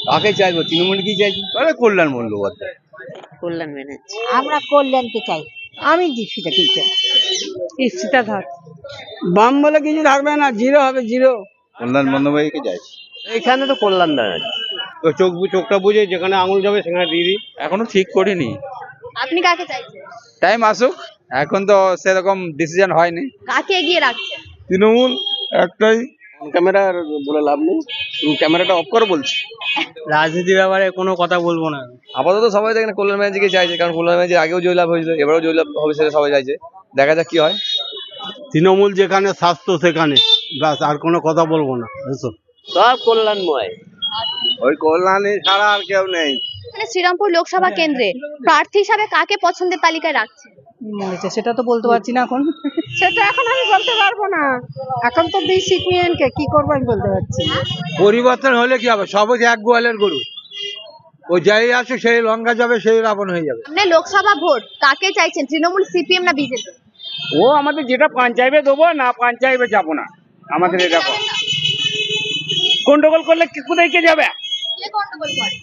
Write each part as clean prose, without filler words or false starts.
কাকে চাইবো? তৃণমূল কি চাইছি? তাহলে কল্যাণ বন্দ্যোপাধ্যায়। কল্যাণ ব্যানার্জি। আমরা কল্যাণকে চাই। আমি দীক্ষিতা কি চাই? ঈপ্সিতা ধর। বাম বলে কিছু থাকবে না, জিরো হবে, জিরো। কল্যাণ বন্দ্যোপাধ্যায়কে চাইছি। এখানে তো কল্যাণ ব্যানার্জি। তো চোখটা বুঝে যেখানে আঙুল যাবে সেখানে দিয়ে দিই। এখনো ঠিক করিনি, আপনি কাকে চাইছেন? টাইম আসুক, এখন তো সেরকম ডিসিশন হয়নি। কাকে এগিয়ে রাখছেন? তৃণমূল একটাই। ক্যামেরা বলে লাভ নেই, ক্যামেরাটা অফ করো বলছি। রাজনীতির ব্যাপারে কোনো কথা বলবো না। আপাতত সবাই দেখেন কল্যাণ ব্যানার্জিকে চাইছে, কারণ কল্যাণ ব্যানার্জি আগেও জয়লাভ হয়েছিল, এবারেও জয়লাভ হবে, সেটা সবাই চাইছে। দেখা যাক কি হয়। তৃণমূল যেখানে স্বাস্থ্য সেখানে, ব্যাস, আর কোনো কথা বলবো না। বুঝছো? সব কল্যাণময়। ওই কল্যাণী ছাড়া আর কেউ নেই। মানে শ্রীরামপুর লোকসভা কেন্দ্রে প্রার্থী হিসাবে কাকে পছন্দের তালিকায় রাখছেন? সেটা তো বলতে পারছি না এখন। সেটা এখন আমি বলতে পারবো না। এখন তো দিই সিপিএম কে, কি করবো আমি বলতে পারছি না। পরিবর্তন হলে কি হবে? সবুজ এক গোয়ালের গরু, ও যাই আসে সেই লঙ্কা যাবে, সেই রাবণ হয়ে যাবে। মানে লোকসভা ভোট কাকে চাইছেন, তৃণমূল, সিপিএম না বিজেপি? ও আমাদের যেটা পঞ্চায়েতে দেবো, না পঞ্চায়েতে যাবো না। আমাদের এরকম গন্ডগোল করলে কোথায় কে যাবে? কে গন্ডগোল করে?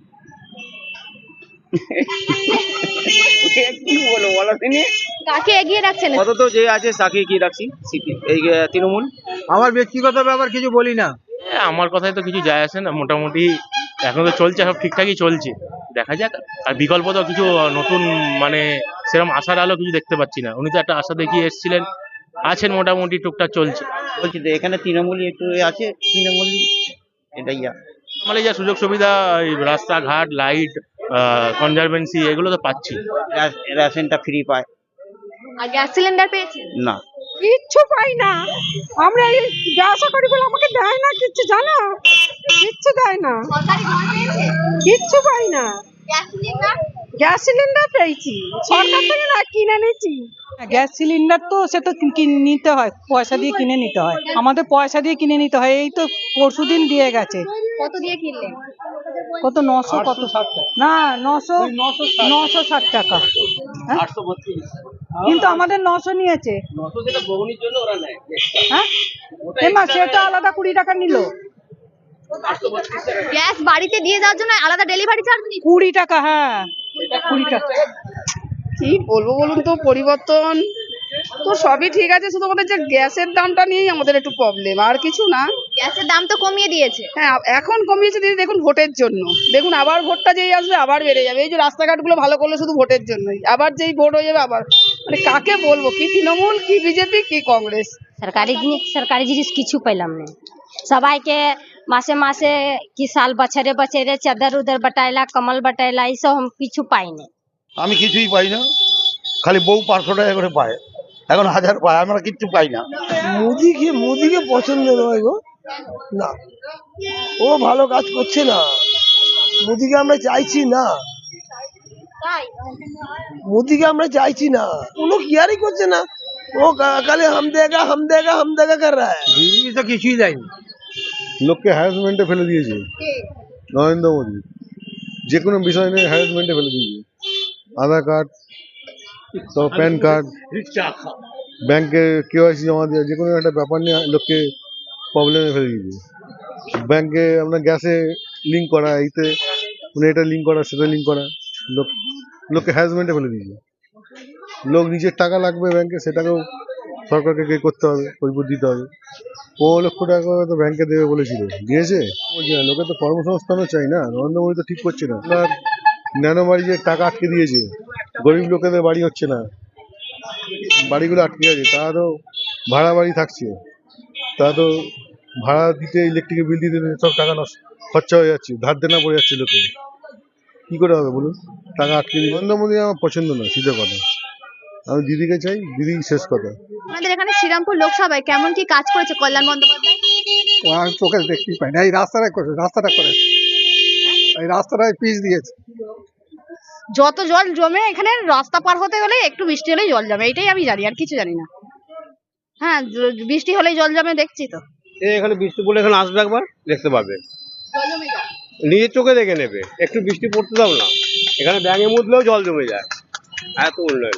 কি বলবো বলো তিনি? কাকে এগিয়ে রাখছেন? আপাতত যে আছে তাকে কি রাখছি, এই তৃণমূল। আমার ব্যক্তিগত ব্যাপার কিছু বলি না। আমার কথায় তো কিছু যায় আসে না, মোটামুটি এখন তো চলছে, সব ঠিকঠাকই চলছে, দেখা যাক। আর বিকল্প তো কিছু নতুন মানে সেরকম আশার আলো কিছু দেখতে পাচ্ছি না। উনি তো একটা আশা দেখিয়ে এসেছিলেন, আছেন মোটামুটি টুকটাক চলছে। বলছি তো এখানে তৃণমূলই একটু আছে, তৃণমূল এটাই মানে যা সুযোগ সুবিধা, এই রাস্তাঘাট, লাইট, কনজারভেন্সি, এগুলো তো পাচ্ছি। রেশনটা ফ্রি পায় আর গ্যাস সিলিন্ডার পেয়েছেন? না। কিচ্ছু পাই না আমরা। এই ব্যবসা করি বলে আমাকে দেয় না কিচ্ছু, জানো? কিচ্ছু দেয় না, সরকারি ঘর পেয়েছেন? কিচ্ছু পাই না। Gas cylinder? গ্যাস সিলিন্ডার পেয়েছি সরকার থেকে, না কিনে নিয়েছি। গ্যাস সিলিন্ডার তো সে তো নিতে হয়, পয়সা দিয়ে কিনে নিতে হয়। আমাদের পয়সা দিয়ে কিনে নিতে হয়। এই তো পরশুদিন দিয়ে গেছে। কত দিয়ে কিনলেন? কত 900, কত না 960 টাকা। হ্যাঁ? কিন্তু আমাদের 900 নিয়েছে। হ্যাঁ, এমা সেটা আলাদা 20 টাকা নিল। গ্যাস বাড়িতে দিয়ে যাওয়ার জন্য আলাদা ডেলিভারি চার্জ নিচ্ছে? 20 টাকা। হ্যাঁ, 20 টাকা। কি বলবো বলুন তো, পরিবর্তন তো সবই ঠিক আছে, শুধু আমাদের যে গ্যাসের দামটা নিয়েই আমাদের একটু প্রবলেম, আর কিছু না। গ্যাসের দাম তো কমিয়ে দিয়েছে। হ্যাঁ, এখন কমিয়েছে দিদি, দেখুন ভোটের জন্য। দেখুন আবার ভোটটা যেই আসবে আবার বেড়ে যাবে। এই যে রাস্তাঘাটগুলো ভালো করলো শুধু ভোটের জন্যই, আবার যেই ভোট হয়ে যাবে আবার, মানে কাকে বলবো, কি তৃণমূল, কি বিজেপি, কি কংগ্রেস। সরকারি জিনিস কিছু পাইলাম না। সবাইকে মাসে মাসে কি সাল বছরে বছরে চাদর উদর বটাইলা, কমল বটাইলা, এইসব हम কিছু পাই না। আমি কিছুই পাই না, খালি বউ 500 টাকা করে পায়, এখন 1000 পায়, আমরা কিচ্ছু পাই না। মোদিকে পছন্দ নয় গো, না, ও ভালো কাজ করছে না। মোদিকে আমরা চাইছি না, তাই মোদিকে আমরা চাইছি না। কোনো কেয়ারই করছে না, ও খালি হাম দেগা হাম দেগা হাম দেগা কর রা হ্যায়। দিদি তো কিছুই দেয়নি। লোককে হ্যারাসমেন্টে ফেলে দিয়েছে নরেন্দ্র মোদী, যে কোনো বিষয় নিয়ে হ্যারাসমেন্টে ফেলে দিয়েছে। আধার কার্ড, তো প্যান কার্ড, ব্যাংকে কেওয়াইসি জমা দেওয়া, যে কোনো একটা ব্যাপার নিয়ে লোককে প্রবলেমে ফেলে দিয়েছে। ব্যাংকে আপনার গ্যাসে লিঙ্ক করা, এইতে মানে এটা লিঙ্ক করা, সেটা লিঙ্ক করা, লোককে হ্যারাসমেন্টে ফেলে দিয়েছে। লোক নিজের টাকা লাগবে ব্যাংকে, সেটাকেও সরকারকে করতে হবে, পরিপূর দিতে হবে। 15 লক্ষ টাকা তো ব্যাংকে দেবে বলেছিল, দিয়েছে? বলছে না, লোকে তো কর্মসংস্থানও চাই না। নরেন্দ্র মোদী তো ঠিক করছে না। আপনার ন্যানো বাড়ি যে টাকা আটকে দিয়েছে, গরিব লোকেদের বাড়ি হচ্ছে না, বাড়িগুলো আটকে গেছে। তারা তো ভাড়া বাড়ি থাকছে, তারা তো ভাড়া দিতে, ইলেকট্রিকের বিল দিতে সব টাকা খরচা হয়ে যাচ্ছে, ধার দেনা পড়ে যাচ্ছে লোকে। কি করে হবে বলুন? টাকা আটকে দিয়ে। নরেন্দ্র মোদী আমার পছন্দ নয়, সিধে কথা। আমি দিদিকে চাই, দিদি শেষ কথা। আমাদের এখানে শ্রীরামপুর লোকসভায় কেমন কি কাজ করেছে কল্যাণ বন্দ্যোপাধ্যায়? আমি চোখে দেখতেই পাই না। এই রাস্তাটা করে, এই রাস্তাটায় পিচ দিয়েছে। যত জল জমে এখানে, রাস্তা পার হতে গেলে একটু বৃষ্টি হলেই জল জমে, এটাই আমি জানি, আর কিছু জানি না। হ্যাঁ, বৃষ্টি হলেই জল জমে, দেখছি তো। এখানে বৃষ্টি পড়লে এখানে আসবে, একবার দেখতে পাবে, জল জমে যায়। নিজের চোখে দেখে নেবে। একটু বৃষ্টি পড়তে দাও না, এখানে ব্যাঙে মুদলেও জল জমে যায়, এত উন্নয়ন।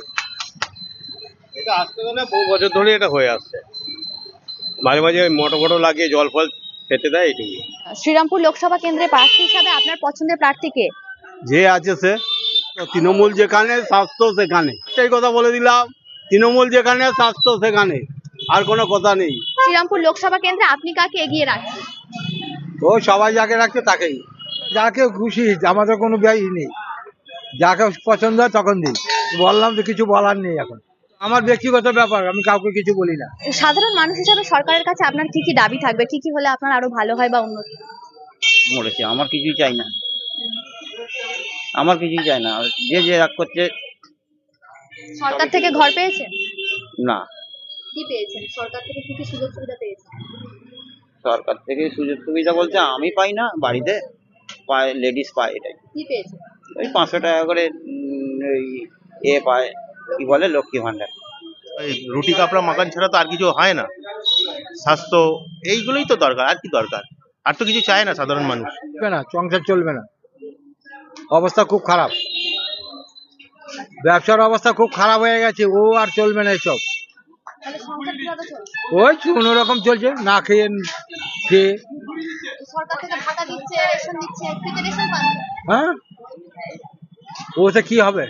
এটা আসতে গেলে বহু বছর ধরে এটা হয়ে আসছে। মাঝে মাঝে মোটর লাগিয়ে জল ফল খেতে দেয় এইটুকু। শ্রীরামপুর লোকসভা কেন্দ্রে প্রার্থী হিসাবে আপনার পছন্দের প্রার্থী কে? যে আছে সে, তৃণমূল যেখানে স্বাস্থ্য সেখানে, সেই কথা বলে দিলাম। তৃণমূল যেখানে স্বাস্থ্য সেখানে, আর কোনো কথা নেই। শ্রীরামপুর লোকসভা কেন্দ্রে আপনি কাকে এগিয়ে রাখছেন? ও সবাই যাকে রাখছে তাকেই, যাকে খুশি, আমাদের কোনো ব্যয় নেই, যাকে পছন্দ হয় তখন দিই। বললাম তো, কিছু বলার নেই এখন, আমার ব্যক্তিগত ব্যাপার, আমি কাউকে কিছু বলি না। সাধারণ মানুষ হিসাবে সরকারের কাছে আপনার কি কি দাবি থাকবে, কি কি হলে আপনার আরো ভালো হয় বা উন্নতি? মরেছে, আমার কিছুই চাই না, আমার কিছুই চাই না। যে যে রাগ করছে। সরকার থেকে ঘর পেয়েছেন? না, কি পেয়েছেন? সরকার থেকে কি কি সুযোগ সুবিধা পেয়েছেন? সরকার থেকে সুযোগ সুবিধা বলছে আমি পাই না, বাড়িতে পায়, লেডিস পায়, এটাই। কি পেয়েছেন? ওই 500 টাকা করে ওই পায়, কি বলে, লক্ষ্মী ভান্ডার। এই রুটি কাপড়া মাকান ছাড়া তো আর কিছু হয় না। স্বাস্থ্য, এইগুলোই তো দরকার, আর কি দরকার? আর তো কিছু চায় না সাধারণ মানুষ। চলবে না, সংসার চলবে না, অবস্থা খুব খারাপ, ব্যবসার অবস্থা খুব খারাপ হয়ে গেছে, ও আর চলবে না এসব। তাহলে সংসার কিভাবে চলছে? ওই কোনো রকম চলছে, না খেয়ে খেয়ে। সরকার থেকে ভাতা দিচ্ছে, রেশন দিচ্ছে, ফ্রিতে রেশন পান। হ্যাঁ, ওতে কি হবে?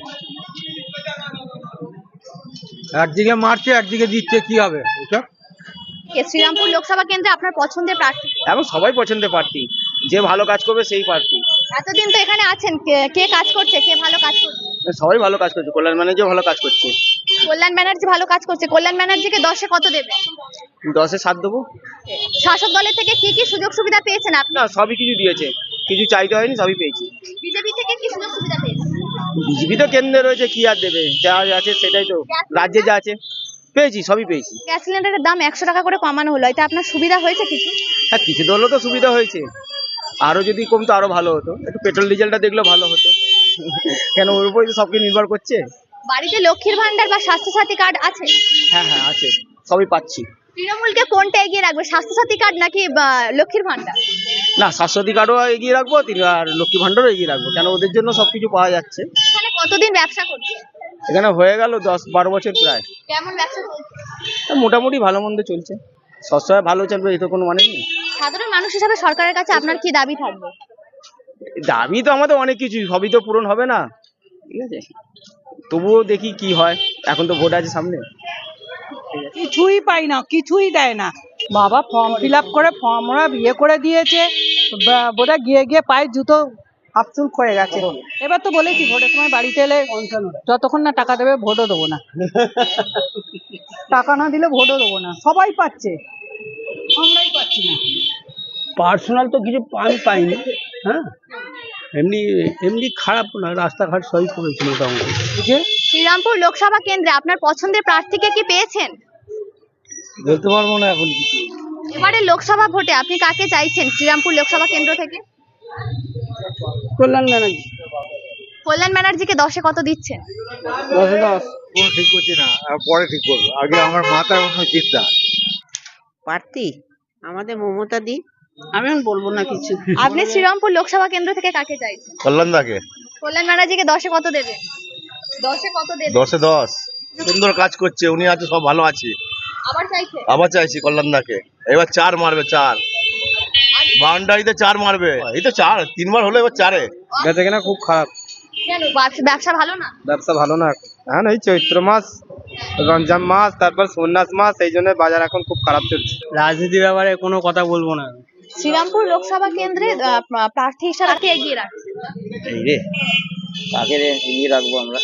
একদিকে মারছে, একদিকে দিচ্ছে, কি হবে এসব? শ্রীরামপুর লোকসভা কেন্দ্রে আপনার পছন্দের প্রার্থী? এখন সবাই পছন্দের প্রার্থী, যে ভালো কাজ করবে সেই প্রার্থী। এতদিন তো এখানে আছেন, কে কাজ করছে, কে ভালো কাজ করছে? সবাই ভালো কাজ করছে, কল্যাণ ম্যানেজার ভালো কাজ করছে। কল্যাণ ব্যানার্জি ভালো কাজ করছে, কল্যাণ ব্যানার্জিকে 10-এ কত দেবে? 10-এ 7 দেবো। শাসক দলের থেকে কি কি সুযোগ সুবিধা পেয়েছেন আপনি? না, সবই কিছু দিয়েছে, কিছু চাইতে হয়নি, সবই পেয়েছি। বিজেপি থেকে কি সুযোগ সুবিধা পেয়েছেন? বিজেপি তো কেন্দ্রে রয়েছে, কি আর দেবে, যা আছে সেটাই তো, রাজ্যে যা আছে পেয়েছি, সবই পেয়েছি। গ্যাস সিলিন্ডারের দাম 100 টাকা করে কমানো হলো, এতে আপনার সুবিধা হয়েছে কিছু? হ্যাঁ, কিছু তো হলেও তো সুবিধা হয়েছে, আরো যদি কমতো আরো ভালো হতো, একটু পেট্রোল ডিজেলটা দেখলেও ভালো হতো। কেন, ওর উপরে তো সবকিছু নির্ভর করছে। বাড়িতে লক্ষ্মীর ভান্ডার বা স্বাস্থ্যসাথী কার্ড আছে? হ্যাঁ হ্যাঁ আছে, সবই পাচ্ছি। তৃণমূলকে কোনটা এগিয়ে রাখবে, স্বাস্থ্যসাথী কার্ড নাকি লক্ষ্মীর ভান্ডার? না, স্বাস্থ্যসাথী কার্ডও এগিয়ে রাখবো, আর লক্ষ্মী ভান্ডারও এগিয়ে রাখবো, কেন ওদের জন্য সবকিছু পাওয়া যাচ্ছে। এখানে কতদিন ব্যবসা করছে? এখানে হয়ে গেল 10-12 বছর প্রায়। কেমন ব্যবসা চলছে? মোটামুটি ভালো মন্দ চলছে, সবসময় ভালো চলবে এই তো কোনো মানে নেই। সাধারণ মানুষ হিসাবে সরকারের কাছে আপনার কি দাবি থাকবে? দাবি তো আমাদের অনেক কিছু, সবই তো পূরণ হবে না, ঠিক আছে, তবুও দেখি কি হয়, এখন তো ভোট আছে সামনে। কিছুই পাই না, কিছুই দেয় না বাবা। ফর্ম ফিল আপ করে ফর্ম ওরা বিয়ে করে দিয়েছে, বোধহয় গিয়ে গিয়ে পায়ে জুতো আপচুল করে গেছে। এবার তো বলেছি ভোটের সময় বাড়িতে এলে যতক্ষণ না টাকা দেবে ভোটও দেবো না, টাকা না দিলে ভোটও দেবো না। সবাই পাচ্ছে, আমরাই পাচ্ছি না। পার্সোনাল তো কিছু আমি পাইনি, হ্যাঁ, এমনি এমনি খারাপ না, রাস্তাঘাট সবই করেছে মোটামুটি। শ্রীরামপুর লোকসভা কেন্দ্রে আপনার পছন্দের প্রার্থীকে কি পেয়েছেন? বলতে পারবো না এখন কিছু। এবারে লোকসভা ভোটে আপনি কাকে চাইছেন শ্রীরামপুর লোকসভা কেন্দ্র থেকে? কল্যাণ ব্যানার্জি। কল্যাণ ব্যানার্জিকে 10-এ কত দিচ্ছেন? 10-এ 10। কোনো ঠিক করছি না, পরে ঠিক করবো, আগে আমার মাথার অন্য চিন্তা। প্রার্থী আমাদের মমতা দি, আমি বলবো না কিছু। আপনি শ্রীরামপুর লোকসভা কেন্দ্র থেকে কাকে চাইছেন? কল্যাণ দাকে কল্যাণ ব্যানার্জিকে 10-এ কত দেবেন? 10-এ কত দেবেন? 10-এ 10, সুন্দর কাজ করছে, উনি আছে, সব ভালো আছে। আবার চাইছেন? আবার চাইছি কল্যাণ দাকে, এবার 4 মারবে, 4 বাউন্ডারিতে 4 মারবে, এই তো 4 3বার হলো, এবার 4-এ। বেচা কেনা খুব খারাপ, কেন, ব্যবসা ভালো না? ব্যবসা ভালো না এখন, এই চৈত্র মাস, রমজান মাস, তারপর সন্ন্যাস মাস, এই জন্য বাজার এখন খুব খারাপ চলছে। রাজনীতির ব্যাপারে কোনো কথা বলবো না। শ্রীরামপুর লোকসভা কেন্দ্রে প্রার্থী হিসাবে কাকে এগিয়ে রাখছেন? এই রে, কাকে এগিয়ে রাখবো আমরা?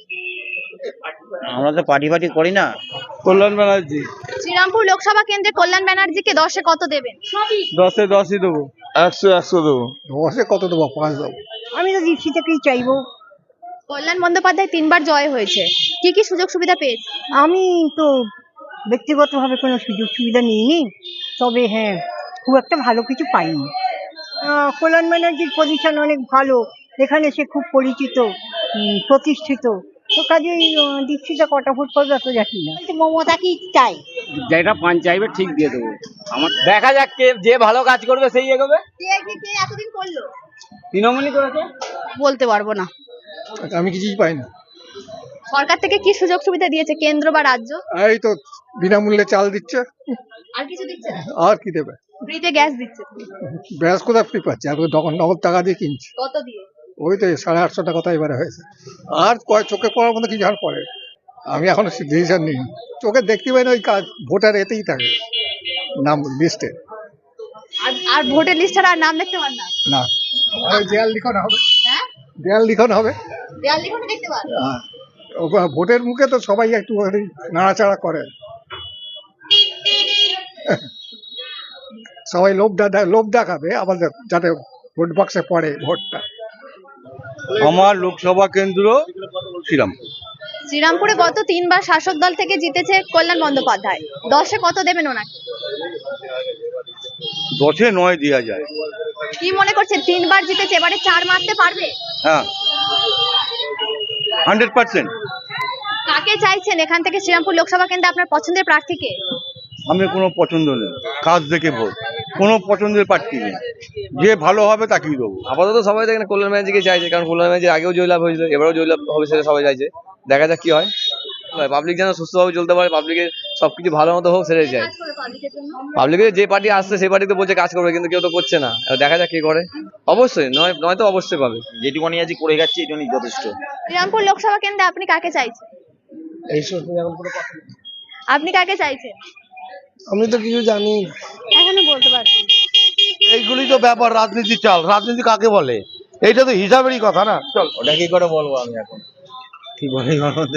আমরা তো পার্টি করি না। কল্যাণ ব্যানার্জি। শ্রীরামপুর লোকসভা কেন্দ্রে কল্যাণ ব্যানার্জিকে 10-এ কত দেবেন? 10-এ 10ই দেবো। 100 দেবো। 10-এ কত দেবো? 5 দেবো। আমি তো দীপ্তি থেকেই চাইবো। কল্যাণ বন্দ্যোপাধ্যায় 3বার জয় হয়েছে, কি কি সুযোগ সুবিধা পেয়েছে? আমি তো ব্যক্তিগতভাবে কোনো সুযোগ সুবিধা নিইনি, তবে হ্যাঁ খুব একটা ভালো কিছু পাইনি। কল্যাণ ব্যানার্জির পজিশন অনেক ভালো, এখানে সে খুব পরিচিত, প্রতিষ্ঠিত, তো কাজেই দীক্ষিতা কটা ভোট পাবে এত জানি না। মমতা কি চাই? যেটা পান চাইবে ঠিক দিয়ে দেবো, আমার দেখা যাক কে যে ভালো কাজ করবে সেই এগোবে। কে এতদিন করলো? তৃণমূলই করেছে। বলতে পারবো না। আমি কিছুই পাইনি। সরকার থেকে কি সুযোগ সুবিধা দিয়েছে, কেন্দ্র বা রাজ্য? এই তো বিনামূল্যে চাল দিচ্ছে, আর কিছু দিচ্ছে না? আর কি দেবে? ফ্রিতে গ্যাস দিচ্ছে তো। ব্যাস কোথায় ফ্রি পাচ্ছে, আর তখন নগদ টাকা দিয়ে কিনছি। কত দিয়ে? ওই তো 850 টাকা তো এবারে হয়েছে। আর চোখে পড়ার মতো কিছু আর পড়ে, আমি এখনো ডিসিশন নিই। চোখে দেখতে পাই না, ওই কাজ ভোটার এতেই থাকে নাম লিস্টে। আর ভোটের লিস্ট ছাড়া আর নাম দেখতে পান না? না, আর দেয়াল লিখন হবে, হ্যাঁ, দেয়াল লিখন হবে। দেয়াল লিখনে দেখতে পান? ভোটের মুখে তো সবাই একটু নাড়াচাড়া করে, সবাই লোভ দেখাবে আমাদের, যাতে ভোট বাক্সে পড়ে ভোটটা। আমার লোকসভা কেন্দ্র শ্রীরামপুর। শ্রীরামপুরে গত 3 বার শাসক দল থেকে জিতেছে কল্যাণ বন্দ্যোপাধ্যায়, 10-এ কত দেবেন ওনাকে? 10-এ 9 দেওয়া যায়। কি মনে করছেন 3 বার জিতেছে, এবারে 4 মারতে পারবে? হ্যাঁ, 100%। কাকে চাইছেন এখান থেকে শ্রীরামপুর লোকসভা কেন্দ্রে আপনার পছন্দের প্রার্থীকে? আমি কোনো পছন্দ নেই, কাজ দেখে ভোট, কোনো পছন্দের প্রার্থী নেই, যে ভালো হবে তাকেই দেবো। আপাতত সবাই তো এখানে কল্যাণ ব্যানার্জিকে চাইছে, কারণ কল্যাণ ব্যানার্জি আগেও জয়লাভ হয়েছিল, এবারেও জয়লাভ হবে সেটা সবাই চাইছে। দেখা যাক কি হয়। পাবলিক যেন সুস্থভাবে চলতে পারে, পাবলিকের সবকিছু ভালো মতো হোক সেটাই চাই। পাবলিকের যে পার্টি আসছে সেই পার্টি তো বলছে কাজ করবে, কিন্তু কেউ তো করছে না। এবার দেখা যাক কি করে। অবশ্যই নয় তো অবশ্যই পাবে, যেটুকুনি আজ করে গেছে এটুকুনি যথেষ্ট। শ্রীরামপুর লোকসভা কেন্দ্রে আপনি কাকে চাইছেন? আপনি কাকে চাইছেন? আমি তো কিছু জানি, এখনো বলতে পারছেন না। এইগুলি তো ব্যাপার, রাজনীতি চাল, রাজনীতি কাকে বলে এইটা তো হিসাবেরই কথা না। চল, ওটা কি করে বলবো আমি এখন, কি বলি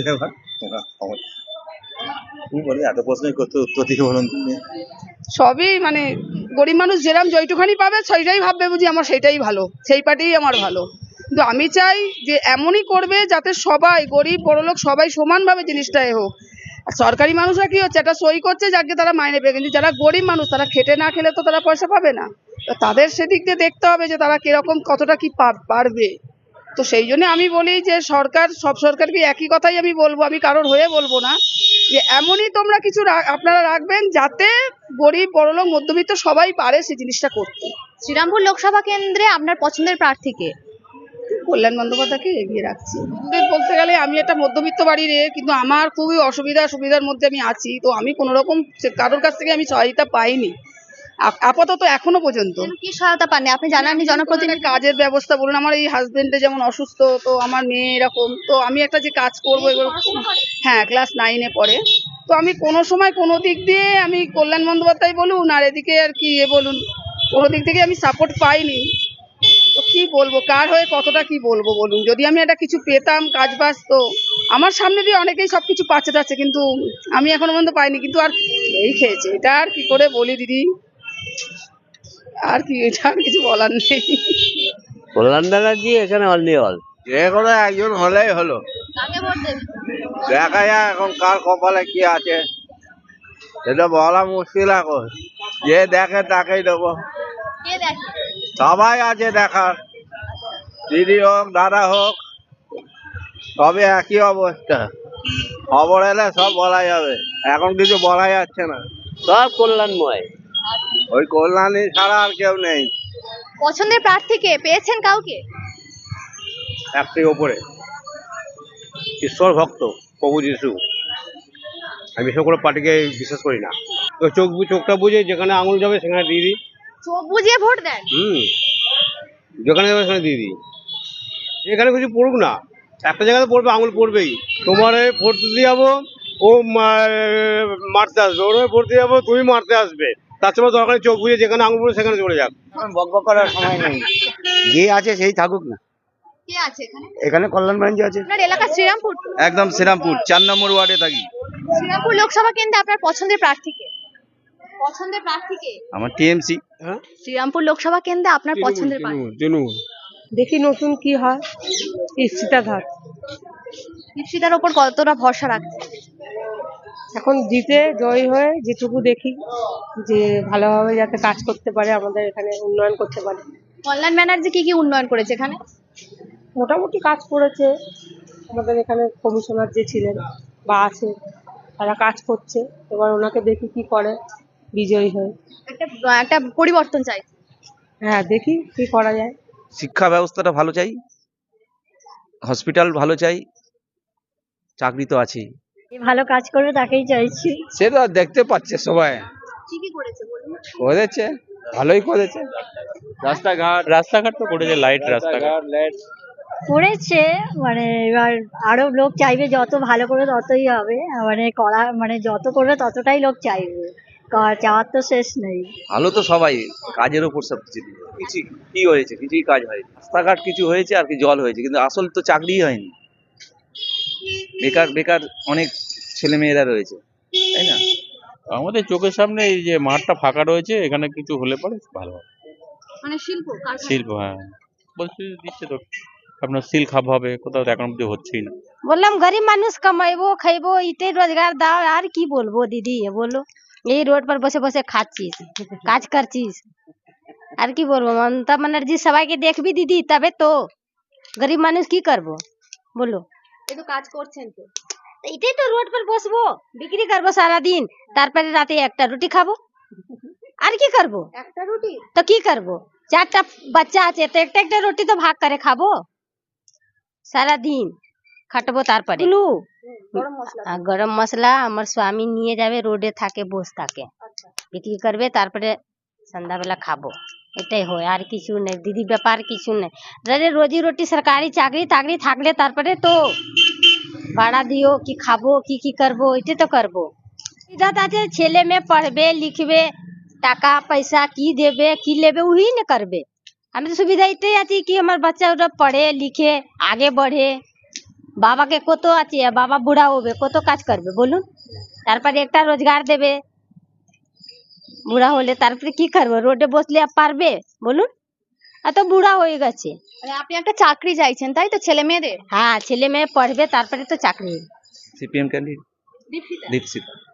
কি বলি, এত প্রশ্নই করতে উত্তর দিকে বলুন তুমি। সবই মানে গরিব মানুষ যেরাম যেটুখানি পাবে সেইটাই ভাববে বুঝি আমার সেটাই ভালো, সেই পার্টিই আমার ভালো। কিন্তু আমি চাই যে এমনই করবে যাতে সবাই গরিব বড়লোক সবাই সমানভাবে জিনিসটা হোক। আর সরকারি মানুষরা কি হচ্ছে, একটা সই করছে যাকে তারা মাইনে পেয়ে, কিন্তু যারা গরিব মানুষ তারা খেটে না খেলে তো তারা পয়সা পাবে না। তো তাদের সেদিক দিয়ে দেখতে হবে যে তারা কিরকম কতটা কি পারবে। তো সেই জন্য আমি বলি যে সরকার, সব সরকারকে একই কথাই আমি বলবো, আমি কারোর হয়ে বলবো না, যে এমনই তোমরা কিছু আপনারা রাখবেন যাতে গরিব বড়লোক মধ্যবিত্ত সবাই পারে সেই জিনিসটা করতে। শ্রীরামপুর লোকসভা কেন্দ্রে আপনার পছন্দের প্রার্থীকে? কল্যাণ বন্দ্যোপাধ্যায়কে এগিয়ে রাখছি। বলতে গেলে আমি একটা মধ্যবিত্ত বাড়ির কিন্তু আমার খুবই সুবিধার মধ্যে আমি আছি। তো আমি কোনো রকম কারোর কাছ থেকে আমি সহায়তা পাইনি আপাতত এখনো পর্যন্ত। কি সহায়তা পাননি আপনি? জানাননি জনপ্রতিনিধি? কাজের ব্যবস্থা বলুন, আমার এই হাজবেন্ডে যেমন অসুস্থ, তো আমার মেয়ে এরকম, তো আমি একটা যে কাজ করবো এবার, হ্যাঁ ক্লাস 9-এ পড়ে, তো আমি কোনো সময় কোনো দিক দিয়ে আমি কল্যাণ বন্দ্যোপাধ্যায় বলুন আর এদিকে আর কি বলুন, কোনো দিক থেকে আমি সাপোর্ট পাইনি। তো কি বলবো, কার হয়ে কতটা কি বলবো বলুন। যদি আমি একটা কিছু পেতাম কাজ বাজ, তো আমার সামনে দিয়ে অনেকেই সবকিছু পাচ্ছে যাচ্ছে, কিন্তু আমি এখনো পর্যন্ত পাইনি। কিন্তু আর এই খেয়েছে, এটা আর কি করে বলি দিদি, আর কি, এটা আর কিছু বলার নেই। কল্যাণ ব্যানার্জি এখানে অনলি অল, যে কোনো একজন হলেই হলো। কাকে ভোট দেবেন? দেখা যায় এখন কার কপালে কি আছে এটা বলা মুশকিল এখন, যে দেখে তাকেই দেবো। কে দেখে? সবাই আছে দেখার, দিদি হোক দাদা হোক, সবে একই অবস্থা। খবর এলে সব বলা যাবে, এখন কিছু বলা যাচ্ছে না। সব কল্যাণময়। ওই কল্যাণী ছাড়া আর কেউ নেই। পছন্দের প্রার্থীকে পেয়েছেন কাউকে? একটি ওপরে ঈশ্বর ভক্ত প্রভু যিশু, আমি বিশেষ করে পার্টিকে বিশ্বাস করি না। তো চোখটা বুঝে যেখানে আঙুল যাবে সেখানে দিয়ে দিই। চোখ বুঝিয়ে ভোট দেন? যেখানে যাবে সেখানে দিয়ে দিই। এখানে কিছু পড়ুক না, একটা জায়গাতে পড়বে, আঙুল পড়বেই। তোমার ভোট দিতে যাবো, ও মারতে আসবে, ওর ভোট দিয়ে যাবো, তুমি মারতে আসবে। তার সময় দরকার চোখ বুঝে যেখানে আঙুল পড়বে সেখানে চলে যাক। বকবক করার সময় নেই, যে আছে সেই থাকুক না। কে আছে এখানে? এখানে কল্যাণ ব্যানার্জি আছে। আপনার এলাকা শ্রীরামপুর? একদম শ্রীরামপুর 4 নম্বর ওয়ার্ডে থাকি। শ্রীরামপুর লোকসভা কেন্দ্রে আপনার পছন্দের প্রার্থীকে? পছন্দের প্রার্থীকে? আমার টিএমসি। শ্রীরামপুর লোকসভা কেন্দ্রে আপনার পছন্দের প্রার্থী? তৃণমূল। দেখি নতুন কি হয়। ইপ্সিতাধার দীপশিতার ওপর কতটা ভরসা রাখছে? এখন জিতে জয়ী হয়ে যেটুকু দেখি যে ভালোভাবে যাতে কাজ করতে পারে, আমাদের এখানে উন্নয়ন করতে পারে। কল্যাণ ব্যানার্জি কি কি উন্নয়ন করেছে এখানে? মোটামুটি কাজ করেছে, আমাদের এখানে কমিশনার যে ছিলেন বা আছে তারা কাজ করছে। এবার ওনাকে দেখি কি করে বিজয়ী হয়ে। একটা পরিবর্তন চাই। হ্যাঁ, দেখি কি করা যায়। শিক্ষা ব্যবস্থাটা ভালো চাই, হসপিটাল ভালো চাই, চাকরি তো আছেই। ভালো কাজ করবে তাকেই চাইছি। সেটা দেখতে পাচ্ছে সবাই, কি কি করেছে বলুন? করেছে ভালোই করেছে। রাস্তাঘাট তো করেছে, লাইট রাস্তাঘাট। করেছে, মানে এবার আরো লোক চাইবে, যত ভালো করে ততই হবে, মানে করা মানে যত করবে ততটাই লোক চাইবে, চাওয়ার তো শেষ নেই। ভালো তো সবাই, কাজের ওপর সব কিছু। কিছু কি হয়েছে? কিছুই কাজ হয়নি। রাস্তাঘাট কিছু হয়েছে আর কি, জল হয়েছে, কিন্তু আসল তো চাকরিই হয়নি। বেকার বেকার অনেক ছেলে মেয়েরা রয়েছে, তাই না? আমাদের চোখের সামনে এই যে মাঠটা ফাঁকা রয়েছে, এখানে কিছু হলে পরে ভালো হয়। মানে শিল্প শিল্প, হ্যাঁ বলছি দিচ্ছে তো, আপনার সিল খাপ হবে, কোথাও তো এখন অব্দি হচ্ছেই না। বললাম গরিব মানুষ কামাইবো খাইবো, এটাই রোজগার দাও, আর কি বলবো দিদি, বলো এই রোড पर বসে বসে খাচ্ছিস, কাজ করছিস, আর কি বলবো। মমতা ব্যানার্জি সবাইকে দেখবি দিদি, তবে তো গরিব মানুষ কি করবো বলো। এই তো কাজ করছেন তো, এটাই তো রোড पर বসবো, বিক্রি করবো সারা দিন, তারপরে রাতে একটা রুটি খাবো, আর কি করবো। একটা রুটি তো কি করবো, 4টা বাচ্চা আছে, তো একটা একটা রুটি তো ভাগ করে খাবো, সারা দিন খাটবো, তারপরে গরম মশলা আমার স্বামী নিয়ে যাবে, রোডে থাকে, বসে থাকে, বিক্রি করবে, তারপরে সন্ধ্যাবেলা খাবো, এটাই হয়, আর কিছু নেই দিদি, ব্যাপার কিছু নেই। রোজি রুটি সরকারি চাকরি টাকরি থাকলে তারপরে তো ভাড়া দিও, কি খাবো, কি করবো, এটাই তো করবো। সুবিধা আছে, ছেলে মেয়ে পড়বে লিখবে, টাকা পয়সা কি দেবে কি लेबे वही न करबे। আমি তো সুবিধা এটাই আছে কি আমার বাচ্চা ওরা পড়ে লিখে আগে बढ़े, বাবাকে কত আছে, বাবা বুড়া হবে কত কাজ করবে বলুন, তারপরে একটা রোজগার দেবে, বুড়া হলে তারপরে কি করবে, রোডে বসলে আর পারবে বলুন, এত বুড়া হয়ে গেছে। মানে আপনি একটা চাকরি চাইছেন তাই তো ছেলে মেয়েদের? হ্যাঁ, ছেলে মেয়ে পড়বে তারপরে তো চাকরি। CPM candidate Dipsita.